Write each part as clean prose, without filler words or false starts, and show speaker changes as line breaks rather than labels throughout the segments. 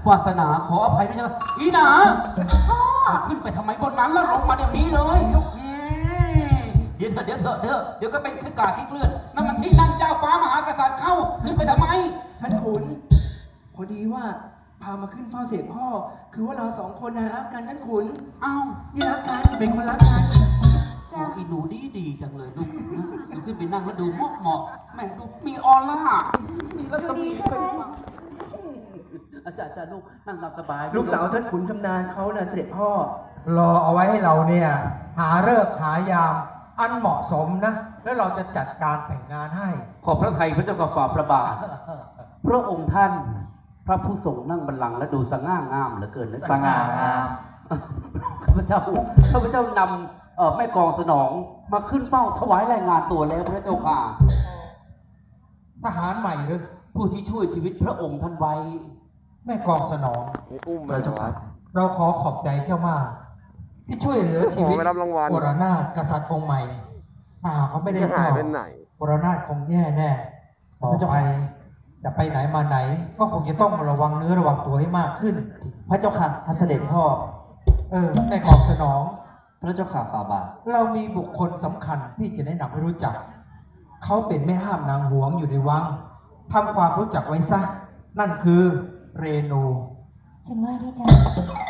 วาสนาขออภัยด้วยจ้ะอีหนาขึ้นไปทำไมบนนั้นแล้วลงมาเดี๋ยวนี้เลยเดี๋ยวก็เป็นขี้กาขี้เกลื่อนนั่นมันที่นั่งเจ้าฟ้ามหากษัตริย์เข้าขึ้นไปทำไม
ท่านขุนพอดีว่าพามาขึ้นเฝ้าเสด็จพ่อคือว่าเราสองคนนะรักกันท่านขุน
เอ้า
นี่รักกันเป็นคนรักกัน
โอ้อีหนูดีจังเลยลูกดูขึ้นไปนั่งแล้วดูเหมาะแม่ดูมีออนแล้วฮะมีรัศมีเป็นอาจารย์ลูกนั่งตามสบาย
ลูกสาวท่านขุนชำนาญเขาน่ะเสด็จพ่อ
รอเอาไว้ให้เราเนี่ยหาฤกษ์หายามอันเหมาะสมนะแล้วเราจะจัดการแต่งงานให้
ขอบพระทัยพระเจ้ากับฝ่าพระบาท พระองค์ท่านพระผู้ทรงนั่งบัลลังก์และดูสง่างามเหลือเกินนะ
สง่างาม
ข้าพเจ้านำแม่กองสนองมาขึ้นเฝ้าถวายรายงานตัวแล้วพระเจ้าค่ะ
ทหารใหม่หรือ
ผู้ที่ช่วยชีวิตพระองค์ท่านไว้
แม่กองสนอง
อุ้ม
พระเจ้าค่ะเราขอขอบใจเจ้ามากที่ช่วยเหลือชีวิต
ไม่รับรางวัล
วรนาถกษัตริย์องค์ใหม่ถ้าหากเขาไม่ได้
หายไปไหน
วรนาถคงแย่แน่ต่อไปจะไปไหนมาไหน ก็คงจะต้องระวังเนื้อระวังตัวให้มากขึ้น
พระเจ้าค่ะท่านเสด็จพ่อ
แม่กองสนอง
พระเจ้าข่าฝ่าบาท
เรามีบุคคลสำคัญที่จะแนะนำให้รู้จัก เขาเป็นแม่ห้ามนางหวงอยู่ในวังทำความรู้จักไว้ซะ นั่นคือเรนู
ฉันว่าได้จ้ะ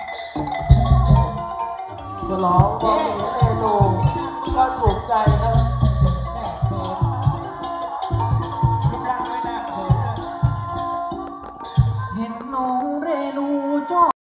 จะร้องว่าเอโนก็ถูกใจนะ